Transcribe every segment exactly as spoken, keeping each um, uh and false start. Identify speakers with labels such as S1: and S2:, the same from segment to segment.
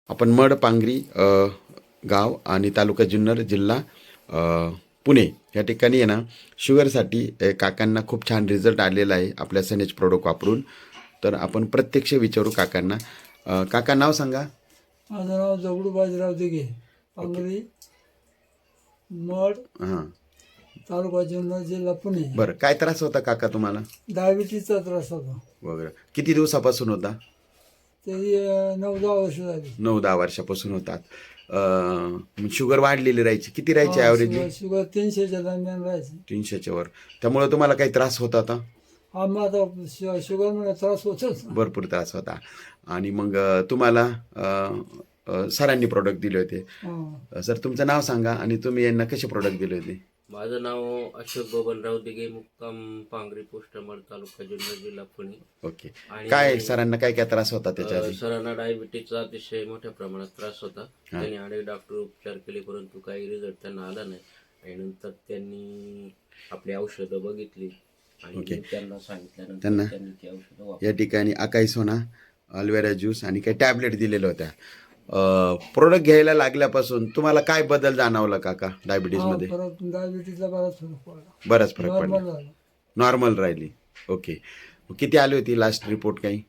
S1: आपण मड पांगरी अ, गाव आणि तालुका जुन्नर जिल्हा अ, पुणे या ठिकाणी आहे ना शुगरसाठी अ, काकांना खूप छान रिझल्ट आलेला आहे आपल्या सनेज प्रोडक्ट वापरून. तर आपण प्रत्यक्ष विचारू काकांना. अ, काका नाव सांगा.
S2: माझं नाव दगडू बाजीराव दिघे, पांगरी, मड,
S1: हां,
S2: तालुका जुन्नर, जिल्हा पुणे.
S1: बरं. काय त्रास होता काका तुम्हाला
S2: डायबिटीसचा त्रास होता.
S1: वगैरे? किती दिवसापासून होता?
S2: तरी अं, नऊ दहा वर्ष झाली.
S1: नऊ दहा वर्षापासून होतात. अ, शुगर वाढलेली राहायची. किती राहायची
S2: हा,
S1: ॲव्हरेजली?
S2: शुगर शुगर तीनशेच्या दरम्यान राहायची.
S1: तीनशेच्या वर. त्यामुळे तुम्हाला काही त्रास होत होता?
S2: हा, मग आता शु- शुगर मला त्रास होतोच.
S1: भरपूर त्रास होता. आणि मग अ, तुम्हाला अ, अ, सरांनी प्रोडक्ट दिले होते.
S2: हा.
S1: अ, सर तुमचं नाव सांगा आणि तुम्ही यांना कसे प्रोडक्ट दिले होते?
S3: माझं नाव अशोक बबनराव दिघे, मुक्काम पांगरी पोस्ट मड, तालुका जुन्नर, जिल्हा पुणे.
S1: ओके.
S3: आणि
S1: काय सरांना काय काय त्रास होता त्याच्या
S3: अ,
S1: आधी?
S3: सरांना डायबिटीजचा अतिशय मोठ्या प्रमाणात त्रास होता. त्यांनी अनेक डॉक्टर उपचार केले, परंतु काही रिझल्ट त्यांना आला नाही. आणि नंतर त्यांनी आपली औषधं बघितली आणि
S1: ओके.
S3: मी त्यांना सांगितल्यानंतर
S1: त्यांना
S3: त्यांनी ती औषधं वापरली.
S1: या ठिकाणी अकाई सोना, अल्वेरा ज्यूस आणि काही टॅबलेट दिलेल्या होत्या. प्रोडक्ट घ्यायला लागल्यापासून तुम्हाला काय बदल जाणवला काका
S2: हा,
S1: डायबिटीजमध्ये?
S2: फरक डायबिटीसचा बराच फरक पडला.
S1: बराच फरक
S2: नॉर्मल
S1: पडला.
S2: झालं.
S1: नॉर्मल राहिली. ओके. किती आली होती लास्ट रिपोर्ट काही?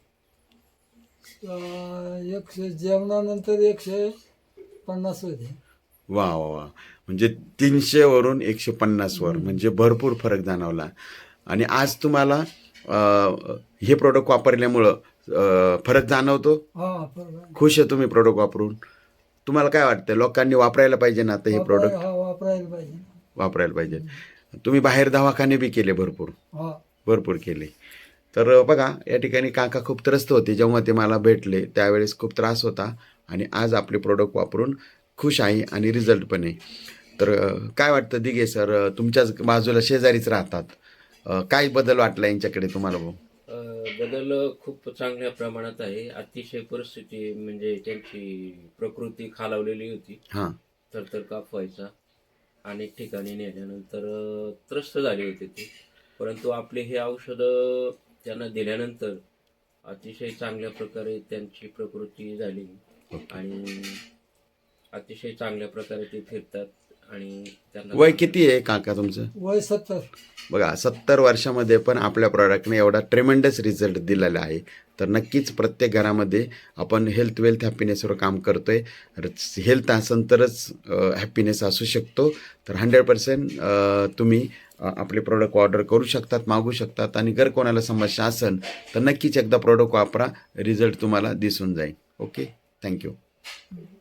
S2: अं, एकशे जेवणानंतर एकशे पन्नास होते.
S1: वा वा वा. म्हणजे तीनशे वरून एकशे पन्नास वर, म्हणजे भरपूर फरक जाणवला. आणि आज तुम्हाला अ, हे प्रोडक्ट वापरल्यामुळं अ, फरक जाणवतो.
S2: हा, फरक आहे.
S1: खुश आहे तुम्ही प्रोडक्ट वापरून? तुम्हाला काय वाटतं लोकांनी वापरायला पाहिजे ना आता हे
S2: वापराय-
S1: प्रोडक्ट?
S2: हा, वापरायला पाहिजे.
S1: वापरायला पाहिजे. तुम्ही बाहेर दवाखाने बी केले भरपूर
S2: हा.
S1: भरपूर केले. तर बघा या ठिकाणी काका खूप त्रस्त होते जेव्हा ते मला भेटले त्यावेळेस खूप त्रास होता आणि आज आपले प्रोडक्ट वापरून खुश आहे आणि रिझल्ट पण आहे. तर अ, काय वाटतं दिघे सर, अ, तुमच्याच बाजूला शेजारीच राहतात, अ, काय बदल वाटला यांच्याकडे तुम्हाला भाऊ?
S3: अ, बदल खूप चांगल्या प्रमाणात आहे. अतिशय परिस्थिती म्हणजे त्यांची प्रकृती खालावलेली होती.
S1: हां
S3: थरथर काप व्हायचा. अनेक ठिकाणी नेल्यानंतर अ, त्रस्त झाले होते ते. परंतु आपले हे औषधं त्यांना दिल्यानंतर अतिशय चांगल्या प्रकारे त्यांची प्रकृती झाली आणि अतिशय चांगल्या प्रकारे ते फिरतात आणि त्यांना
S1: वय किती आहे काका तुमचं?
S2: वय सत्तर.
S1: बघा सत्तर वर्षामध्ये पण आपल्या प्रॉडक्टने एवढा ट्रेमेंडस रिझल्ट दिलेला आहे. तर नक्कीच प्रत्येक घरामध्ये आपण हेल्थ वेल्थ हॅपीनेसवर काम करतोय. हेल्थ असेल तरच हॅपीनेस असू शकतो. तर हंड्रेड पर्सेंट तुम्ही अ, आपले प्रोडक्ट ऑर्डर करू शकतात, मागू शकतात. आणि जर कोणाला समस्या असेल तर नक्कीच एकदा प्रोडक्ट वापरा, रिझल्ट तुम्हाला दिसून जाईल. Okay, thank you.